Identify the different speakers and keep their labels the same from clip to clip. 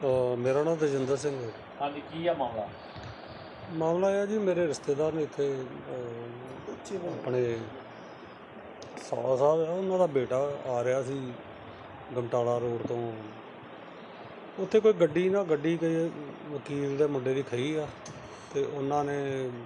Speaker 1: मेरा नाम तेजिंदर सिंह है।
Speaker 2: हाँ जी, की है मामला?
Speaker 1: मामला यह जी, मेरे रिश्तेदार ने इत्थे अपने साला साहब है, उन्हों का बेटा आ रहा सी गमटाला रोड तो उत्थे कोई गड्डी कोई वकील के मुंडे की खई आ ते उन्होंने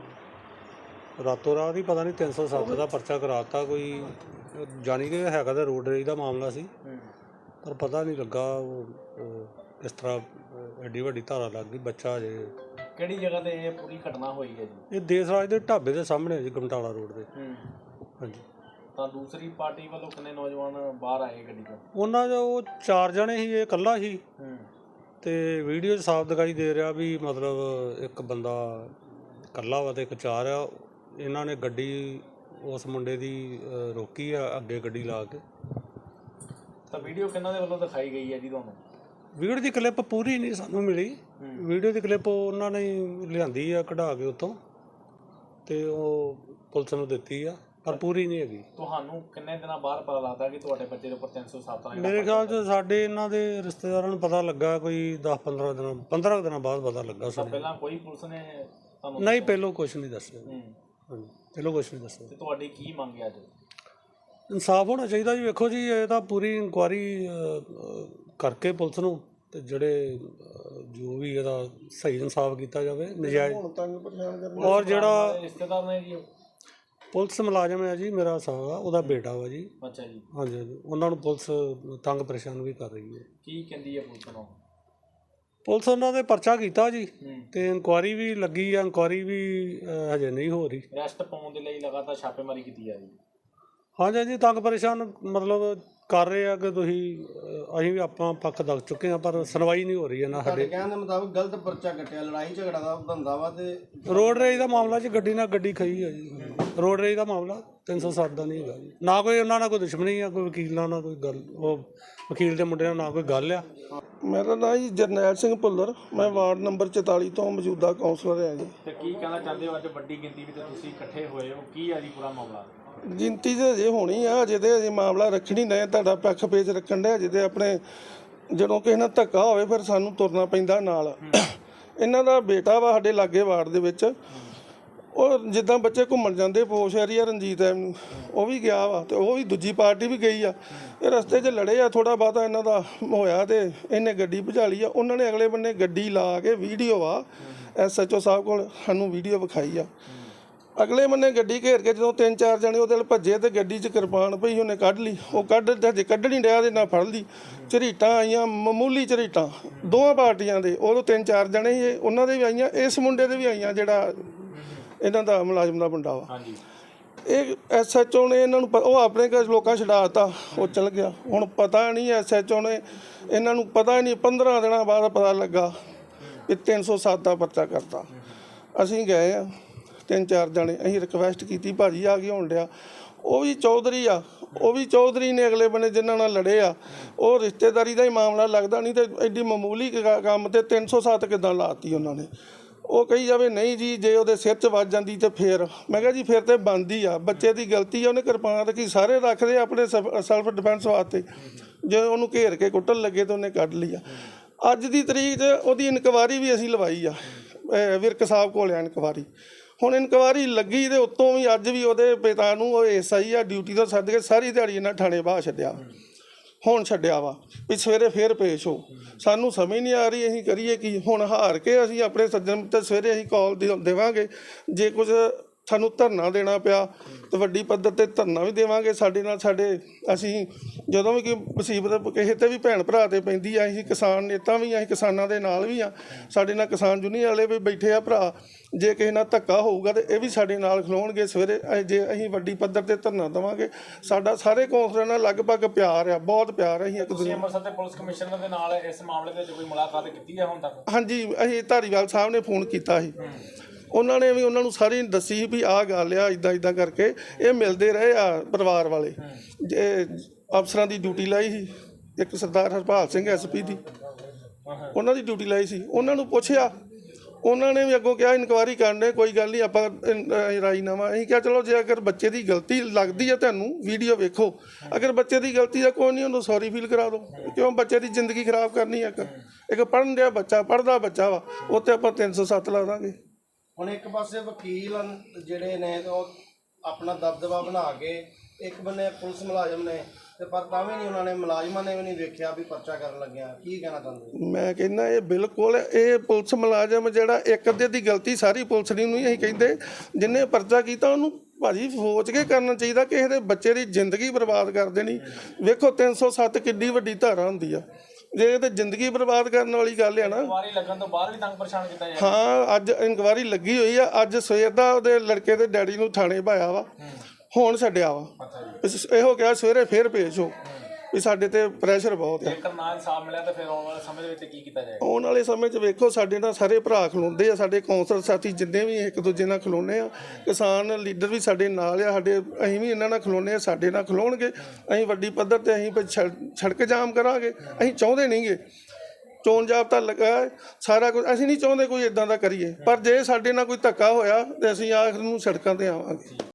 Speaker 1: रातों रात ही पता नहीं 307 का परचा कराता कोई, जानी कि है तो रोड रेज का मामला सी, पर पता नहीं लगा किस तरह एड्डी वड्डी धारा लग गई। बच्चा अजे
Speaker 2: किहड़ी जगह ते ये पूरी घटना हुई है जी?
Speaker 1: ये देसराज के ढाबे के सामने है जी, गमटाला रोड से। हाँ जी।
Speaker 2: तो दूसरी पार्टी वालों कितने नौजवान बाहर आए गड्डी चों?
Speaker 1: ਉਹਨਾਂ ਜੋ 4 ਜਣੇ ਸੀ, ਇਹ ਇਕੱਲਾ ਸੀ ਤੇ ਵੀਡੀਓ 'ਚ ਸਾਫ਼ ਦਿਖਾਈ ਦੇ ਰਿਹਾ ਵੀ ਮਤਲਬ ਇੱਕ ਬੰਦਾ ਇਕੱਲਾ ਵਾ ਤੇ ਇੱਕ 4 ਆ। ਇਹਨਾਂ ਨੇ ਗੱਡੀ ਉਸ ਮੁੰਡੇ ਦੀ ਰੋਕੀ ਆ ਅੱਗੇ ਗੱਡੀ ਲਾ ਕੇ।
Speaker 2: ਤਾਂ ਵੀਡੀਓ ਕਿਹਨਾਂ ਦੇ ਵੱਲੋਂ ਦਿਖਾਈ ਗਈ ਹੈ ਜੀ ਤੁਹਾਨੂੰ?
Speaker 1: ਵੀਡੀਓ ਦੀ ਕਲਿੱਪ ਪੂਰੀ ਨਹੀਂ ਸਾਨੂੰ ਮਿਲੀ। ਵੀਡੀਓ ਦੀ ਕਲਿੱਪ ਉਹਨਾਂ ਨੇ ਲਿਆਂਦੀ ਆ ਕਢਾ ਕੇ ਉੱਥੋਂ ਤੇ ਉਹ ਪੁਲਿਸ ਨੂੰ ਦਿੱਤੀ ਆ, ਪਰ ਪੂਰੀ ਨਹੀਂ ਹੈਗੀ।
Speaker 2: ਤੁਹਾਨੂੰ ਕਿੰਨੇ ਦਿਨਾਂ ਬਾਅਦ ਪਤਾ ਲੱਗਦਾ ਕਿ ਤੁਹਾਡੇ ਬੱਚੇ ਦੇ ਉੱਪਰ 307 ਦਾ?
Speaker 1: ਮੇਰੇ ਖਿਆਲ 'ਚ ਸਾਡੇ ਇਹਨਾਂ ਦੇ ਰਿਸ਼ਤੇਦਾਰਾਂ ਨੂੰ ਪਤਾ ਲੱਗਾ ਕੋਈ 15 ਦਿਨਾਂ ਬਾਅਦ ਪਤਾ ਲੱਗਾ ਸਾਨੂੰ।
Speaker 2: ਪਹਿਲਾਂ ਕੋਈ ਪੁਲਿਸ ਨੇ ਤੁਹਾਨੂੰ?
Speaker 1: ਨਹੀਂ, ਪਹਿਲੋਂ ਕੁਛ ਨਹੀਂ ਦੱਸਿਆ। ਹਾਂਜੀ, ਪਹਿਲੋਂ ਕੁਛ ਨਹੀਂ ਦੱਸਿਆ।
Speaker 2: ਤੇ ਤੁਹਾਡੀ ਕੀ ਮੰਗ ਹੈ ਅੱਜ?
Speaker 1: ਇਨਸਾਫ ਹੋਣਾ ਚਾਹੀਦਾ ਜੀ। ਵੇਖੋ ਜੀ, ਇਹ ਤਾਂ ਪੂਰੀ ਇਨਕੁਆਇਰੀ ਕਰਕੇ ਪੁਲਿਸ ਨੂੰ ਤੇ ਜਿਹੜੇ ਜੋ ਵੀ ਇਹਦਾ ਸਹੀ ਇਨਸਾਫ ਕੀਤਾ ਜਾਵੇ। ਨਜਾਇਜ਼ ਔਰ ਜਿਹੜਾ
Speaker 2: ਰਿਸ਼ਤੇਦਾਰ ਨੇ ਜੀ
Speaker 1: ਪੁਲਿਸ ਮੁਲਾਜ਼ਮ ਹੈ ਜੀ, ਮੇਰਾ ਸਾਲਾ ਉਹਦਾ ਬੇਟਾ ਵਾ ਜੀ।
Speaker 2: ਅੱਛਾ ਜੀ।
Speaker 1: ਹਾਂਜੀ ਹਾਂਜੀ, ਉਹਨਾਂ ਨੂੰ ਪੁਲਿਸ ਤੰਗ ਪਰੇਸ਼ਾਨ ਵੀ ਕਰ ਰਹੀ ਹੈ।
Speaker 2: ਕੀ ਕਹਿੰਦੀ ਹੈ ਪੁਲਿਸ ਨੂੰ?
Speaker 1: ਪੁਲਿਸ ਉਹਨਾਂ ਦੇ ਪਰਚਾ ਕੀਤਾ ਜੀ ਤੇ ਇਨਕੁਆਇਰੀ ਵੀ ਲੱਗੀ ਆ, ਇਨਕੁਆਇਰੀ ਵੀ ਹਜੇ ਨਹੀਂ ਹੋ ਰਹੀ।
Speaker 2: ਅਰੈਸਟ ਪਾਉਣ ਦੇ ਲਈ ਲਗਾਤਾਰ ਛਾਪੇਮਾਰੀ ਕੀਤੀ ਜਾ ਰਹੀ ਹੈ।
Speaker 1: ਹਾਂਜੀ ਹਾਂਜੀ, ਤੰਗ ਪਰੇਸ਼ਾਨ ਮਤਲਬ ਕਰ ਰਹੇ ਆ ਕਿ ਤੁਸੀਂ ਅਸੀਂ ਵੀ ਆਪਾਂ ਪੱਖ ਦੱਸ ਚੁੱਕੇ ਹਾਂ, ਪਰ ਸੁਣਵਾਈ ਨਹੀਂ ਹੋ ਰਹੀ ਹੈ ਨਾ। ਸਾਡੇ
Speaker 3: ਕਹਿਣ ਦੇ ਮੁਤਾਬਕ ਗਲਤ ਪਰਚਾ ਕੱਟਿਆ, ਲੜਾਈ ਝਗੜਾ ਦਾ ਧੰਦਾ ਵਾ ਤੇ
Speaker 1: ਰੋਡ ਰੇਜ ਦਾ ਮਾਮਲਾ 'ਚ ਗੱਡੀ ਨਾਲ ਗੱਡੀ ਖਈ ਹੈ ਜੀ। ਰੋਡ ਰੇਜ ਦਾ ਮਾਮਲਾ 307 ਦਾ ਨਹੀਂ ਹੈਗਾ ਜੀ। ਨਾ ਕੋਈ ਉਹਨਾਂ ਨਾਲ ਕੋਈ ਦੁਸ਼ਮਣੀ ਆ, ਕੋਈ ਵਕੀਲ ਨਾਲ ਕੋਈ ਗੱਲ, ਉਹ ਵਕੀਲ ਦੇ ਮੁੰਡੇ ਨਾਲ ਨਾ ਕੋਈ ਗੱਲ ਆ।
Speaker 3: ਮੇਰਾ ਨਾਮ ਜੀ ਜਰਨੈਲ ਸਿੰਘ ਭੁੱਲਰ, ਮੈਂ ਵਾਰਡ ਨੰਬਰ 44 ਤੋਂ ਮੌਜੂਦਾ ਕਾਉਂਸਲਰ ਹਾਂ ਜੀ।
Speaker 2: ਤੇ ਕੀ ਕਹਿਣਾ ਚਾਹੁੰਦੇ ਹੋ? ਅੱਜ ਵੱਡੀ ਗਿਣਤੀ ਵਿੱਚ ਤੁਸੀਂ ਇਕੱਠੇ ਹੋਏ ਹੋ, ਕੀ ਹੈ ਜੀ ਪੂਰਾ ਮਾਮਲਾ?
Speaker 3: ਗਿਣਤੀ ਤੇ ਅਜੇ ਹੋਣੀ ਆ, ਅਜੇ ਤੇ ਅਜੇ ਮਾਮਲਾ ਰੱਖਣੀ ਨਹੀਂ, ਤੁਹਾਡਾ ਪੱਖ ਪੇਚ ਰੱਖਣ ਦੇ। ਅਜੇ ਤੇ ਆਪਣੇ ਜਦੋਂ ਕਿਸੇ ਨਾਲ ਧੱਕਾ ਹੋਵੇ ਫਿਰ ਸਾਨੂੰ ਤੁਰਨਾ ਪੈਂਦਾ ਨਾਲ। ਇਹਨਾਂ ਦਾ ਬੇਟਾ ਵਾ ਸਾਡੇ ਲਾਗੇ ਵਾਰਡ ਦੇ ਵਿੱਚ, ਉਹ ਜਿੱਦਾਂ ਬੱਚੇ ਘੁੰਮਣ ਜਾਂਦੇ ਪੋਸ਼ ਏਰੀਆ ਰਣਜੀਤ ਐਵਨਿਊ, ਉਹ ਵੀ ਗਿਆ ਵਾ ਤੇ ਉਹ ਵੀ ਦੂਜੀ ਪਾਰਟੀ ਵੀ ਗਈ ਆ। ਇਹ ਰਸਤੇ 'ਚ ਲੜੇ ਆ, ਥੋੜ੍ਹਾ ਬਹੁਤਾ ਇਹਨਾਂ ਦਾ ਹੋਇਆ ਤੇ ਇਹਨੇ ਗੱਡੀ ਭਜਾ ਲਈ ਆ। ਉਹਨਾਂ ਨੇ ਅਗਲੇ ਬੰਨੇ ਗੱਡੀ ਲਾ ਕੇ ਵੀਡੀਓ ਆ SHO ਸਾਹਿਬ ਕੋਲ ਸਾਨੂੰ ਵੀਡੀਓ ਵਿਖਾਈ ਆ। ਅਗਲੇ ਬੰਨੇ ਗੱਡੀ ਘੇਰ ਕੇ ਜਦੋਂ 3-4 ਜਣੇ ਉਹਦੇ ਨਾਲ ਭੱਜੇ ਤੇ ਗੱਡੀ 'ਚ ਕਿਰਪਾਨ ਪਈ, ਉਹਨੇ ਕੱਢ ਲਈ। ਉਹ ਹਜੇ ਕੱਢ ਨਹੀਂ ਰਿਹਾ, ਦੇ ਨਾਲ ਫੜ ਲਈ। ਝਰੀਟਾਂ ਆਈਆਂ, ਮਾਮੂਲੀ ਝਰੀਟਾਂ ਦੋਵਾਂ ਪਾਰਟੀਆਂ ਦੇ। ਉਦੋਂ 3-4 ਜਣੇ ਸੀ, ਉਹਨਾਂ ਦੇ ਵੀ ਆਈਆਂ, ਇਸ ਮੁੰਡੇ ਦੇ ਵੀ ਆਈਆਂ ਜਿਹੜਾ ਇਹਨਾਂ ਦਾ ਮੁਲਾਜ਼ਮ ਦਾ ਮੁੰਡਾ ਵਾ। ਇਹ SHO ਨੇ ਇਹਨਾਂ ਨੂੰ ਉਹ ਆਪਣੇ ਘਰ ਲੋਕਾਂ ਛਡਾ ਦਿੱਤਾ, ਉਹ ਚਲ ਗਿਆ। ਹੁਣ ਪਤਾ ਨਹੀਂ SHO ਨੇ ਇਹਨਾਂ ਨੂੰ ਪਤਾ ਨਹੀਂ, 15 ਦਿਨਾਂ ਬਾਅਦ ਪਤਾ ਲੱਗਾ ਕਿ 307 ਦਾ ਪਰਚਾ ਕਰਤਾ। ਅਸੀਂ ਗਏ ਆ 3-4 ਜਣੇ, ਅਸੀਂ ਰਿਕਵੈਸਟ ਕੀਤੀ, ਭਾਜੀ ਆ ਕੇ ਹੋਣ ਡਿਆ। ਉਹ ਵੀ ਚੌਧਰੀ ਆ, ਉਹ ਵੀ ਚੌਧਰੀ ਨੇ ਅਗਲੇ ਬੰਨੇ ਜਿਨ੍ਹਾਂ ਨਾਲ ਲੜੇ ਆ। ਉਹ ਰਿਸ਼ਤੇਦਾਰੀ ਦਾ ਹੀ ਮਾਮਲਾ ਲੱਗਦਾ, ਨਹੀਂ ਤੇ ਐਡੀ ਮਾਮੂਲੀ ਕੰਮ ਤੇ 307 ਕਿੱਦਾਂ ਲਾਤੀ ਉਹਨਾਂ ਨੇ। ਉਹ ਕਹੀ ਜਾਵੇ ਨਹੀਂ ਜੀ, ਜੇ ਉਹਦੇ ਸਿਰ 'ਚ ਵੱਜ ਜਾਂਦੀ ਤੇ ਫਿਰ। ਮੈਂ ਕਿਹਾ ਜੀ ਫਿਰ ਤੇ ਬਣਦੀ ਆ, ਬੱਚੇ ਦੀ ਗਲਤੀ ਆ, ਉਹਨੇ ਕਿਰਪਾਨ ਰੱਖੀ। ਸਾਰੇ ਰੱਖਦੇ ਆਪਣੇ ਸੈਲਫ ਡਿਫੈਂਸ ਵਾਸਤੇ, ਜੇ ਉਹਨੂੰ ਘੇਰ ਕੇ ਕੁੱਟਣ ਲੱਗੇ ਤਾਂ ਉਹਨੇ ਕੱਢ ਲਈ ਆ। ਅੱਜ ਦੀ ਤਰੀਕ 'ਚ ਉਹਦੀ ਇਨਕੁਆਇਰੀ ਵੀ ਅਸੀਂ ਲਵਾਈ ਆ, ਵਿਰਕ ਸਾਹਿਬ ਕੋਲ ਆ ਇਨਕੁਆਇਰੀ। ਹੁਣ ਇਨਕੁਆਇਰੀ ਲੱਗੀ ਤੇ ਉੱਤੋਂ ਵੀ ਅੱਜ ਵੀ ਉਹਦੇ ਪਿਤਾ ਨੂੰ ਉਹ SI ਆ ਡਿਊਟੀ ਤੋਂ ਸੱਦ ਕੇ ਸਾਰੀ ਦਿਹਾੜੀ ਇਹਨਾਂ ਥਾਣੇ ਬਾਹਰ ਛੱਡਿਆ। ਹੁਣ ਛੱਡਿਆ ਵਾ ਵੀ ਸਵੇਰੇ ਫੇਰ ਪੇਸ਼ ਹੋ। ਸਾਨੂੰ ਸਮਝ ਨਹੀਂ ਆ ਰਹੀ ਅਸੀਂ ਕਰੀਏ ਕੀ। ਹੁਣ ਹਾਰ ਕੇ ਅਸੀਂ ਆਪਣੇ ਸੱਜਣ ਮਿੱਤਰ ਸਵੇਰੇ ਅਸੀਂ ਕਾਲ ਦੇਵਾਂਗੇ, ਜੇ ਕੁਝ ਸਾਨੂੰ ਧਰਨਾ ਦੇਣਾ ਪਿਆ ਤਾਂ ਵੱਡੀ ਪੱਧਰ 'ਤੇ ਧਰਨਾ ਵੀ ਦੇਵਾਂਗੇ। ਸਾਡੇ ਨਾਲ ਅਸੀਂ ਜਦੋਂ ਵੀ ਕੋਈ ਮੁਸੀਬਤ ਕਿਸੇ 'ਤੇ ਵੀ ਭੈਣ ਭਰਾ 'ਤੇ ਪੈਂਦੀ ਆ, ਅਸੀਂ ਕਿਸਾਨ ਨੇਤਾ ਵੀ ਅਸੀਂ ਕਿਸਾਨਾਂ ਦੇ ਨਾਲ ਵੀ ਆ। ਸਾਡੇ ਨਾਲ ਕਿਸਾਨ ਯੂਨੀਅਨ ਵਾਲੇ ਵੀ ਬੈਠੇ ਆ ਭਰਾ। ਜੇ ਕਿਸੇ ਨਾਲ ਧੱਕਾ ਹੋਊਗਾ ਤਾਂ ਇਹ ਵੀ ਸਾਡੇ ਨਾਲ ਖਲੋਣਗੇ ਸਵੇਰੇ। ਜੇ ਅਸੀਂ ਵੱਡੀ ਪੱਧਰ 'ਤੇ ਧਰਨਾ ਦੇਵਾਂਗੇ। ਸਾਡਾ ਸਾਰੇ ਕੌਂਸਲਰਾਂ ਨਾਲ ਲਗਭਗ ਪਿਆਰ ਆ, ਬਹੁਤ ਪਿਆਰ। ਅਸੀਂ ਇੱਕ ਦੂਜੇ
Speaker 2: ਅੰਮ੍ਰਿਤਸਰ ਦੇ ਪੁਲਿਸ ਕਮਿਸ਼ਨਰ ਦੇ ਨਾਲ ਇਸ ਮਾਮਲੇ ਦੇ ਵਿੱਚ ਕੋਈ ਮੁਲਾਕਾਤ ਕੀਤੀ ਹੈ ਹੁਣ ਤੱਕ? ਹਾਂਜੀ,
Speaker 3: ਅਸੀਂ ਧਾਰੀਵਾਲ ਸਾਹਿਬ ਨੇ ਫੋਨ ਕੀਤਾ ਸੀ, ਉਹਨਾਂ ਨੇ ਵੀ ਉਹਨਾਂ ਨੂੰ ਸਾਰੀ ਦੱਸੀ ਵੀ ਆਹ ਗੱਲ ਆ, ਇੱਦਾਂ ਕਰਕੇ ਇਹ ਮਿਲਦੇ ਰਹੇ ਆ ਪਰਿਵਾਰ ਵਾਲੇ। ਜੇ ਅਫਸਰਾਂ ਦੀ ਡਿਊਟੀ ਲਾਈ ਸੀ, ਇੱਕ ਸਰਦਾਰ ਹਰਪਾਲ ਸਿੰਘ SP ਦੀ, ਉਹਨਾਂ ਦੀ ਡਿਊਟੀ ਲਾਈ ਸੀ। ਉਹਨਾਂ ਨੂੰ ਪੁੱਛਿਆ, ਉਹਨਾਂ ਨੇ ਵੀ ਅੱਗੋਂ ਕਿਹਾ ਇਨਕੁਆਇਰੀ ਕਰਨੇ, ਕੋਈ ਗੱਲ ਨਹੀਂ ਆਪਾਂ ਰਾਜੀਨਾਮਾ। ਅਸੀਂ ਕਿਹਾ ਚਲੋ ਜੇ ਅਗਰ ਬੱਚੇ ਦੀ ਗਲਤੀ ਲੱਗਦੀ ਹੈ ਤੁਹਾਨੂੰ ਵੀਡੀਓ ਵੇਖੋ, ਅਗਰ ਬੱਚੇ ਦੀ ਗਲਤੀ ਹੈ ਕੋਈ ਨਹੀਂ, ਉਹਨੂੰ ਸੌਰੀ ਫੀਲ ਕਰਾ ਦਿਓ। ਕਿਉਂ ਬੱਚੇ ਦੀ ਜ਼ਿੰਦਗੀ ਖਰਾਬ ਕਰਨੀ ਹੈ? ਇੱਕ ਪੜ੍ਹਨ ਡਿਆ ਬੱਚਾ ਪੜ੍ਹਦਾ ਬੱਚਾ ਵਾ ਉੱਤੇ ਆਪਾਂ 307 ਲਾ ਦਾਂਗੇ।
Speaker 4: ਹੁਣ ਇੱਕ ਪਾਸੇ ਵਕੀਲ ਜਿਹੜੇ ਨੇ ਉਹ ਆਪਣਾ ਦਬਦਬਾ ਬਣਾ ਕੇ ਇੱਕ ਬੰਨੇ ਪੁਲਿਸ ਮੁਲਾਜ਼ਮ ਨੇ ਤੇ ਪਰ ਤਾਂ ਵੀ ਨਹੀਂ ਉਹਨਾਂ ਨੇ ਮੁਲਾਜ਼ਮਾਂ ਨੇ ਵੀ ਨਹੀਂ ਵੇਖਿਆ ਵੀ ਪਰਚਾ ਕਰਨ ਲੱਗਿਆ। ਕੀ ਕਹਿਣਾ ਚਾਹੁੰਦੇ?
Speaker 3: ਮੈਂ ਕਹਿੰਦਾ ਇਹ ਬਿਲਕੁਲ ਇਹ ਪੁਲਿਸ ਮੁਲਾਜ਼ਮ ਜਿਹੜਾ ਇੱਕ ਅੱਧੇ ਦੀ ਗਲਤੀ ਸਾਰੀ ਪੁਲਿਸ ਦੀ ਨਹੀਂ ਅਸੀਂ ਕਹਿੰਦੇ, ਜਿਹਨੇ ਪਰਚਾ ਕੀਤਾ ਉਹਨੂੰ ਭਾਜੀ ਸੋਚ ਕੇ ਕਰਨਾ ਚਾਹੀਦਾ। ਕਿਸੇ ਦੇ ਬੱਚੇ ਦੀ ਜ਼ਿੰਦਗੀ ਬਰਬਾਦ ਕਰ ਦੇਣੀ। ਵੇਖੋ 307 ਕਿੱਡੀ ਵੱਡੀ ਧਾਰਾ ਹੁੰਦੀ ਆ, ਜੇ ਇਹ ਤੇ ਜ਼ਿੰਦਗੀ ਬਰਬਾਦ ਕਰਨ ਵਾਲੀ ਗੱਲ ਆ ਨਾ।
Speaker 2: ਇਨਕੁਆਰੀ ਲੱਗਣ ਤੋਂ ਬਾਅਦ ਵੀ ਤੰਗ ਪਰੇਸ਼ਾਨ ਕੀਤਾ ਜਾਂਦਾ।
Speaker 3: ਹਾਂ ਅੱਜ ਇਨਕੁਆਰੀ ਲੱਗੀ ਹੋਈ ਆ, ਅੱਜ ਸਵੇਰ ਦਾ ਉਹਦੇ ਲੜਕੇ ਦੇ ਡੈਡੀ ਨੂੰ ਥਾਣੇ ਪਾਇਆ ਵਾ, ਹੁਣ ਛੱਡਿਆ ਵਾ। ਇਹੋ ਕਿਹਾ ਸਵੇਰੇ ਫੇਰ ਪੇਸ਼ ਹੋ ਵੀ ਸਾਡੇ ਤੇ ਪ੍ਰੈਸ਼ਰ ਬਹੁਤ ਆ।
Speaker 2: ਜੇਕਰ ਨਾ ਇਨਸਾਫ ਮਿਲਿਆ ਤਾਂ ਫਿਰ ਆਉਣ ਵਾਲੇ ਸਮੇਂ ਦੇ ਵਿੱਚ ਕੀ ਕੀਤਾ ਜਾਏਗਾ?
Speaker 3: ਆਉਣ ਵਾਲੇ ਸਮੇਂ 'ਚ ਵੇਖੋ ਸਾਡੇ ਨਾਲ ਸਾਰੇ ਭਰਾ ਖਲੋਂਦੇ ਆ, ਸਾਡੇ ਕੌਂਸਲ ਸਾਥੀ ਜਿੰਨੇ ਵੀ ਇੱਕ ਦੂਜੇ ਨਾਲ ਖਲੋਨੇ ਆ, ਕਿਸਾਨ ਲੀਡਰ ਵੀ ਸਾਡੇ ਨਾਲ ਆ, ਸਾਡੇ ਅਸੀਂ ਵੀ ਇਹਨਾਂ ਨਾਲ ਖਲੋਨੇ ਆ, ਸਾਡੇ ਨਾਲ ਖਲੋਣਗੇ। ਅਸੀਂ ਵੱਡੀ ਪੱਧਰ ਤੇ ਅਸੀਂ ਸੜਕ ਜਾਮ ਕਰਾਂਗੇ। ਅਸੀਂ ਚਾਹੁੰਦੇ ਨਹੀਂਗੇ, ਚੋਣ ਜਾਬਤਾ ਲੱਗਾ ਸਾਰਾ ਕੁਝ, ਅਸੀਂ ਨਹੀਂ ਚਾਹੁੰਦੇ ਕੋਈ ਇਦਾਂ ਦਾ ਕਰੀਏ, ਪਰ ਜੇ ਸਾਡੇ ਨਾਲ ਕੋਈ ਧੱਕਾ ਹੋਇਆ ਤੇ ਅਸੀਂ ਆਖਰ ਨੂੰ ਸੜਕਾਂ ਤੇ ਆਵਾਂਗੇ।